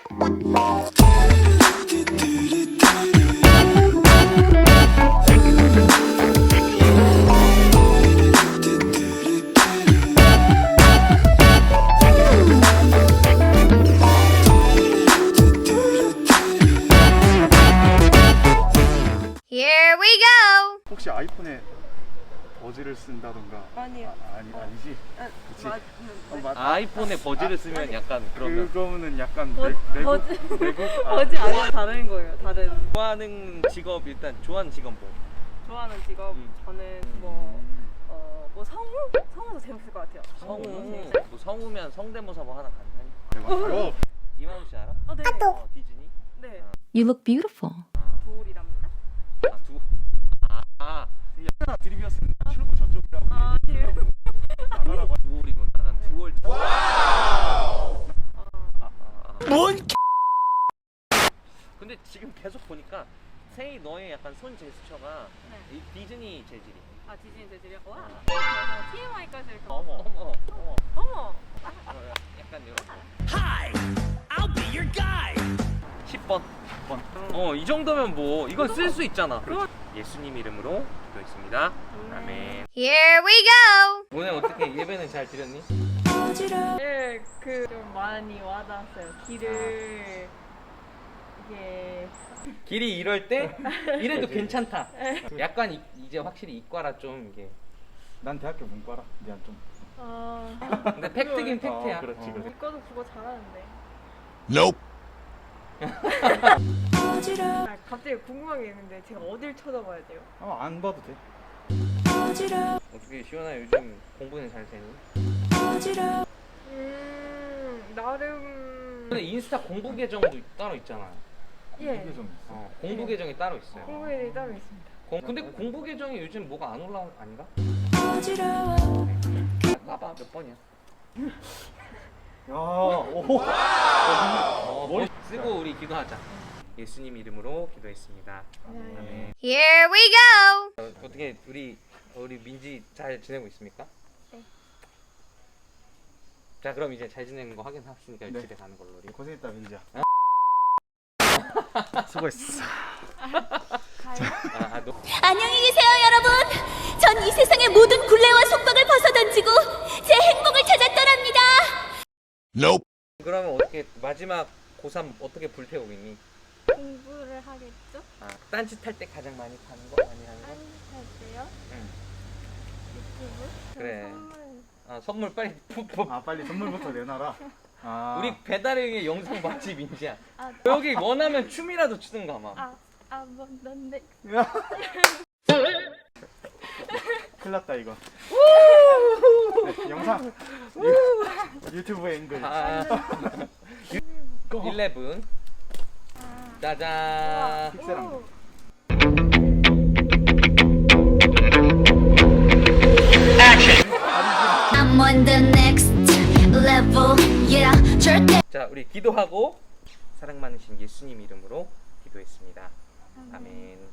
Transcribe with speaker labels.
Speaker 1: Here we go.
Speaker 2: 혹시 아이폰에 버즈를 쓴다던가?
Speaker 3: 아니요.
Speaker 2: 아니지. 그치?
Speaker 4: 아이폰에 버즈를 쓰면 약간 그러면
Speaker 2: 그거는 약간
Speaker 3: 버즈
Speaker 2: 외국?
Speaker 3: 버즈 아니면 다른 거예요. 다른.
Speaker 4: 좋아하는 직업 일단 좋아하는 직업 뭐?
Speaker 3: 좋아하는 직업 저는 뭐 성우? 성우도 재밌을 것 같아요.
Speaker 4: 성우
Speaker 3: 진짜.
Speaker 4: 뭐 성우면 성대모사 뭐 하나 가능하니?
Speaker 2: 대박.
Speaker 4: 이만우 씨 알아?
Speaker 3: 네.
Speaker 4: 디즈니?
Speaker 3: 네.
Speaker 1: You look beautiful.
Speaker 3: 두울이랍니다.
Speaker 2: 하나 드립이었으면 출구 저쪽이라고 나가라고.
Speaker 4: 두월이구나. 난 두월. 뭔? 근데 지금 계속 보니까 세이 너의 약간 손 제스처가
Speaker 3: 네.
Speaker 4: 이 디즈니 재질이.
Speaker 3: 아 디즈니 재질이요? 와. TMI까지 이렇게.
Speaker 4: 어머.
Speaker 3: 어머.
Speaker 4: 약간 이런 거. Hi, I'll be your guy. 10번. 이 정도면 뭐 이건 쓸 수 있잖아. 예수님 이름으로 기도했습니다. 아멘.
Speaker 1: Here we go.
Speaker 4: 오늘 어떻게 예배는 잘 드렸니?
Speaker 3: 네, 좀 많이 와닿았어요. 길을 이게
Speaker 4: 길이 이럴 때 이래도 괜찮다. 약간 이제 확실히 이과라 좀 이게.
Speaker 2: 난 대학교 문과라. 미안 좀.
Speaker 4: 근데 팩트긴 팩트야.
Speaker 2: 그렇지.
Speaker 3: 이과도 국어 잘하는데.
Speaker 5: Nope.
Speaker 3: 갑자기 궁금한 게 있는데 제가 어딜 쳐다봐야 돼요?
Speaker 2: 안 봐도 돼.
Speaker 4: 어떻게 시원아 요즘 공부는 잘 되니?
Speaker 3: 나름.
Speaker 4: 근데 인스타 공부 계정도 따로 있잖아요.
Speaker 3: 예.
Speaker 2: 이게 좀 있어.
Speaker 4: 공부 계정이 따로 있어요.
Speaker 3: 공부일이 따로 있습니다.
Speaker 4: 근데 공부 계정에 요즘 뭐가 안 올라 아닌가? 까봐 몇 번이야?
Speaker 2: 야, 오.
Speaker 4: 머리 쓰고 우리 기도하자. 예수님 이름으로 기도했습니다.
Speaker 3: 네.
Speaker 4: 아멘.
Speaker 1: Here we go.
Speaker 4: 어떻게 우리 민지 잘 지내고 있습니까?
Speaker 3: 네.
Speaker 4: 자 그럼 이제 잘 지내는 거 확인했으니까
Speaker 2: 네.
Speaker 4: 집에 가는 걸로 우리.
Speaker 2: 고생했다 민지야. 수고했어.
Speaker 6: 안녕히 계세요, 여러분. 전 이 세상의 모든 굴레와 속박을 벗어던지고 제 행복을 찾아 떠납니다.
Speaker 5: Nope.
Speaker 4: 그러면 어떻게 마지막 고3 어떻게 불태우고 있니?
Speaker 6: 공부를 하겠죠?
Speaker 4: 딴짓 할 때 가장 많이 하는 거? 많이 하는 거?
Speaker 6: 할 때요?
Speaker 4: 응.
Speaker 6: 유튜브?
Speaker 4: 그래.
Speaker 6: 선물.
Speaker 4: 선물 빨리
Speaker 2: 빨리 선물부터 내놔라.
Speaker 4: 우리 배달의 영상 봤지 민지야.
Speaker 6: 아,
Speaker 4: 여기 원하면 춤이라도 추든가 막.
Speaker 6: 뭐, 넌데.
Speaker 2: 큰일 났다 이거. 네, 영상 유튜브에 앵글.
Speaker 4: 11. 짜잔.
Speaker 2: 픽셀한
Speaker 6: I'm on the next level, yeah. 절대.
Speaker 4: 자, 우리 기도하고 사랑 많으신 예수님 이름으로 기도했습니다. 아멘.